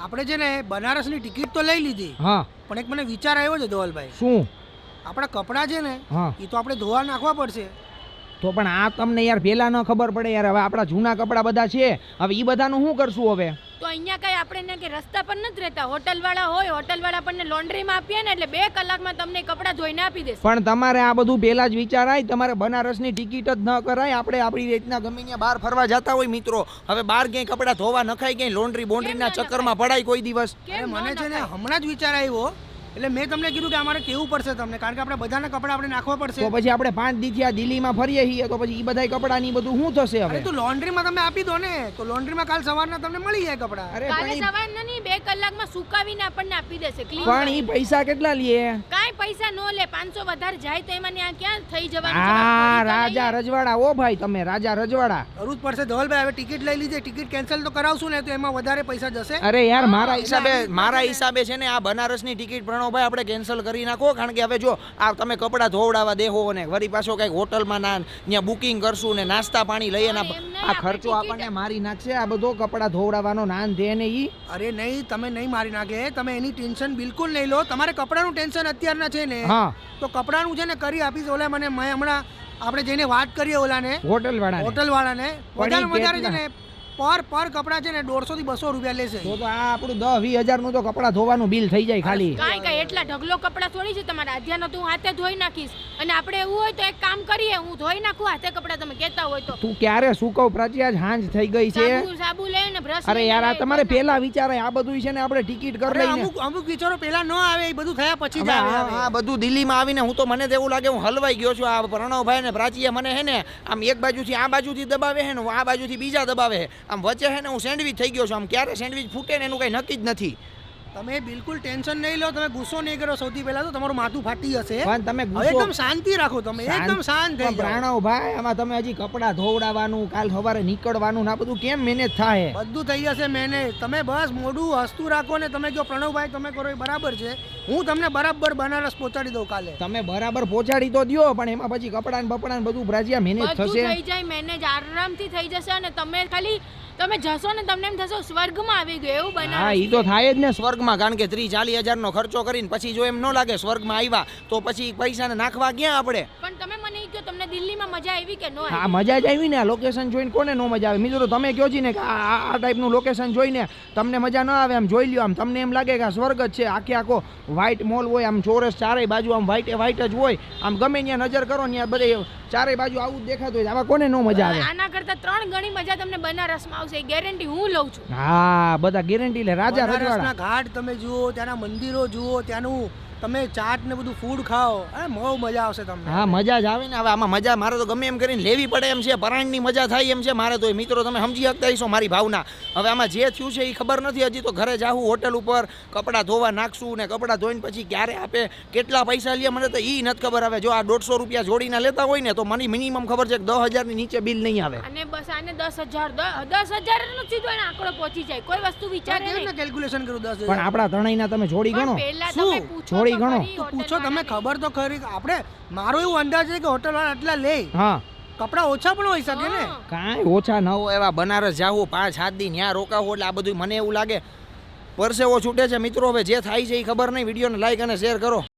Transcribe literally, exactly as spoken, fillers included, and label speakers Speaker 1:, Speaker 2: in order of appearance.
Speaker 1: આપણે છે ને બનારસની ટિકિટ તો લઈ લીધી,
Speaker 2: હા
Speaker 1: પણ એક મને વિચાર આવ્યો છે ધવલભાઈ.
Speaker 2: શું?
Speaker 1: આપણા કપડાં છે ને
Speaker 2: હા
Speaker 1: એ તો આપણે ધોવા નાખવા પડશે.
Speaker 2: તો પણ આ તમને યાર પહેલા ન ખબર પડે યાર. હવે આપણા જૂના કપડાં બધા છે, હવે એ બધાનું શું કરશું હવે?
Speaker 3: તો અહીંયા કઈ આપણે કે રસ્તા પર નથી રહેતા, હોટલ વાળા હોય, હોટલ વાળા આપણને લોન્ડ્રીમાં આપીએ ને એટલે બે કલાકમાં તમને કપડાં ધોઈને આપી દેશે.
Speaker 2: પણ તમારે આ બધું પહેલા જ વિચારાય, તમારે બનારસની ટિકિટ જ ન કરાય. આપણે આપણી રીતના ગમે ત્યાં બહાર ફરવા જતા હોય મિત્રો, હવે બહાર ક્યાંય કપડાં ધોવા નખાય, ક્યાંય લોન્ડ્રી બોન્ડ્રીના ચક્કરમાં પડાય કોઈ દિવસ.
Speaker 1: અરે મને છે ને હમણાં જ વિચાર આવ્યો, એટલે મેં તમને કીધું કે અમારે કેવું પડશે તમને, કારણ કે આપણે બધાના કપડાં આપણે નાખવા પડશે.
Speaker 2: તો પછી આપણે પાંચ દી થયા દિલ્હીમાં ફરીએ છીએ, તો પછી એ બધા કપડાં ની બધું શું થશે હવે?
Speaker 1: અરે તો લોન્ડ્રીમાં તમે આપી દો ને, તો લોન્ડ્રીમાં કાલ સવારના તમને મળી જાય કપડાં.
Speaker 2: અરે
Speaker 3: કાલે
Speaker 2: પણ ઈ-
Speaker 3: સવારના નહીં, બે કલાકમાં સુકાવીને આપણને આપી દેશે. clean
Speaker 2: પણ ઈ
Speaker 3: કરીને.
Speaker 2: પૈસા કેટલા લે?
Speaker 3: કાંઈ પૈસા નો લે, પાંચસો વધારે જાય તો એમાં ત્યાં ક્યાં થઈ જવાનું છે?
Speaker 2: આ
Speaker 3: ફરી તો
Speaker 2: રાજા
Speaker 3: લઈએ.
Speaker 2: રજવાડા, ઓ ભાઈ તમે રાજા રજવાડા.
Speaker 1: કરવું જ પડશે ધવલભાઈ. હવે ટિકિટ લઈ લીધી, ટિકિટ કેન્સલ તો કરાવશું ને તો એમાં વધારે પૈસા જશે.
Speaker 2: અરે યાર મારા
Speaker 3: હા,
Speaker 2: હિસાબે
Speaker 3: એટલે
Speaker 2: મારા હિસાબે છે ને આ બનારસની ટિકિટ પ્રણવભાઈ આપણે કેન્સલ કરી નાખો. કારણ કે હવે જો આ તમે કપડાં ધોવડાવવા દેહો ને વળી પાછો કઈક હોટલમાં ના ત્યાં બુકિંગ કરશું ને નાસ્તા પાણી લઈએ ને
Speaker 3: હા, એમ નહીં,
Speaker 2: આ
Speaker 3: આપણે
Speaker 2: ખર્ચો
Speaker 3: ticket-
Speaker 2: આપણને મારી નાખશે. આ બધો કપડાં ધોવડાવવાનો નાન દે ને ઈ.
Speaker 1: અરે નહીં, તમે નહીં મારી નાખે, તમે એની ટેન્શન બિલકુલ નહીં લો. તમારે કપડાનું ટેન્શન અત્યારના છે ને,
Speaker 2: હા
Speaker 1: તો કપડાનું છે ને કરી આપીશ. ઓલા મને મેં હમણાં આપણે જઈને વાત કરીએ ઓલાને,
Speaker 2: હોટલ વાળા
Speaker 1: હોટલ વાળાને,
Speaker 2: પણ ઈ
Speaker 1: વધારે વધારે છે
Speaker 2: કેટલા?
Speaker 1: ને પર પર કપડા છે ને દોઢસો થી બસો રૂપિયા લેશે.
Speaker 2: તો તો આ આપણું દસ વીસ હજાર નું તો કપડાં ધોવાનું બિલ થઈ જાય ખાલી.
Speaker 3: કાંઈ કાંઈ એટલા ઢગલો કપડાં થોડી છે તમારે. આધ્યાનો તો હું હાથે ધોઈ નાખીશ, અને આપણે એવું હોય તો એક કામ કરીએ, હું ધોઈ નાખું હાથે કપડાં, તમે કહેતા હોય તો.
Speaker 2: તું ક્યારે સુકવ પ્રાચી? આજ હાંજ થઈ ગઈ છે.
Speaker 3: સાબુ સાબુ લઈ ને બ્રશ.
Speaker 2: અરે યાર આ તમારે પહેલા વિચારાય. આ બધું છે ને આપણે ટિકિટ કરી
Speaker 1: અરે
Speaker 2: લઈને
Speaker 1: અમુક અમુક વિચારો પેલા ન આવે, એ બધું થયા પછી જ
Speaker 2: હવે
Speaker 1: આવે.
Speaker 2: આ
Speaker 1: હવે.
Speaker 2: આ બધું દિલ્હીમાં આવીને હું તો મને તો એવું લાગે હું હલવાઈ ગયો છું. આ પ્રણવભાઈ ને પ્રાચીએ મને હે ને આમ એક બાજુથી આ બાજુથી દબાવે હે ને આ બાજુથી બીજા દબાવે હે. આમ વચ્ચે હે ને હું સેન્ડવિચ થઈ ગયો છું. આમ ક્યારે સેન્ડવિચ ફૂટે ને એનું કઈ નક્કી જ નથી.
Speaker 1: તમે બિલકુલ ટેન્શન નહીં લો, તમે ગુસ્સો નહીં કરો. સૌથી પહેલા તો તમારું માથું ફાટી જશે.
Speaker 2: પણ તમે
Speaker 1: હવે
Speaker 2: ગુસ્સો
Speaker 1: એકદમ શાંતિ રાખો, તમે એકદમ શાંત થઈ જાઓ.
Speaker 2: પ્રાણવભાઈ આમાં તમે હજી કપડાં ધોવડાવવાનું, કાલ સવારે નીકળવાનું ને આ બધું કેમ મેનેજ થાય?
Speaker 1: બધું થઈ જશે મેનેજ. તમે બસ મોઢું હસતું રાખો ને તમે કહો પ્રણવભાઈ તમે કરો એ બરાબર છે, હું તમને બરાબર બનારસ પહોંચાડી દઉં કાલે.
Speaker 2: તમે બરાબર પહોંચાડી તો દ્યો, પણ એમાં પછી કપડાં ને બપડા ને બધું ભ્રાજિયા મેનેજ
Speaker 3: બધું
Speaker 2: થશે.
Speaker 3: થઈ જાય મેનેજ, આરામથી થઈ જશે. અને તમે ખાલી તમે જશો ને તમને એમ થશે સ્વર્ગમાં આવી ગયો એવું
Speaker 2: હા
Speaker 3: બનાવે.
Speaker 2: ઈ તો થાય જ ને સ્વર્ગમાં. કારણ કે ત્રીસ ચાલીસ હજાર નો ખર્ચો કરીને પછી જો એમ ન લાગે સ્વર્ગમાં આવ્યા તો પછી પૈસા ને નાખવા ક્યાં આપણે?
Speaker 3: પણ તમે મને ઈ કહો, તમને દિલ્હીમાં મજા આવી કે નો
Speaker 2: હા
Speaker 3: આવી?
Speaker 2: મજા જ આવી ને. આ લોકેશન જોઈને કોને નો મજા આવે? મિત્રો તમે કહો છો ને કે આ આ- આ ટાઈપનું લોકેશન જોઈને તમને મજા ન આવે, આમ જોઈ લ્યો, આમ તમને એમ લાગે કે આ સ્વર્ગ જ છે. આખે આખો વ્હાઈટ મોલ હોય, આમ ચોરસ ચારેય બાજુ આમ વ્હાઈટ વ્હાઈટ જ હોય. આમ ગમે ત્યાં નજર કરો ત્યાં બધે ચારેય બાજુ આવું જ દેખાતું હોય. આમાં કોને નો મજા આવે?
Speaker 3: આના કરતા ત્રણ ગણી મજા તમને બનારસમાં આવશે, એ ગેરંટી હું લઉં છું.
Speaker 2: હા બધા ગેરંટી લે. રાજા
Speaker 1: બનારસના
Speaker 2: રજવાડા.
Speaker 1: ઘાટ તમે જુઓ, ત્યાંના મંદિરો જુઓ, ત્યાંનું તમે ચાટ ને બધું ફૂડ ખાઓ, અરે બહુ મજા આવશે તમને.
Speaker 2: હા મજા જ આવે ને. હવે આમાં મજા મારે તો ગમે એમ કરીને લેવી પડે એમ છે. પરાણની મજા થાય એમ છે મારે તો. મિત્રો તમે સમજી શકતા હશો મારી ભાવના. હવે આમાં જે થયું છે એ ખબર નથી. હજી તો ઘરે જાવું હોટલ ઉપર, કપડાં ધોવા નાખશું ને કપડાં ધોઈને પછી ક્યારે આપે, કેટલા પૈસા લે મને તો એ નથી ખબર. હવે જો આ દોઢસો રૂપિયા જોડીને લેતા હોય ને તો મને મિનિમમ ખબર છે કે દસ હજારની નીચે બિલ નહીં આવે.
Speaker 3: અને બસ આને દસ હજાર દસ હજાર નો સીધો એને આંકડો પહોંચી જાય. કોઈ વસ્તુ વિચારે નહીં.
Speaker 1: કેલ્ક્યુલેશન કરું દસ
Speaker 2: પણ આપણા ત્રણેયના તમે જોડી ગણો.
Speaker 3: પણ પહેલા
Speaker 1: શું?
Speaker 3: તમે પૂછો
Speaker 2: થોડી
Speaker 3: તો
Speaker 2: ગણો.
Speaker 3: ખરી
Speaker 1: તો
Speaker 3: હોટલ
Speaker 1: પૂછો તમે,
Speaker 3: વાળાને.
Speaker 1: ખબર તો ખરી. આપણે મારો એવું અંદાજ છે કે હોટલ વાળા આટલા લે,
Speaker 2: હા
Speaker 1: કપડા ઓછા પણ હોઈ શકે ને.
Speaker 3: હા.
Speaker 2: કાંઈ ઓછા ન હોય. એવા બનારસ જાવું પાંચ સાત દી ત્યાં રોકાવું એટલે આ બધું મને એવું લાગે પરસેવો છૂટે છે. મિત્રો હવે જે થાય છે એ ખબર નહીં. વિડીયોને લાઈક અને શેર કરો.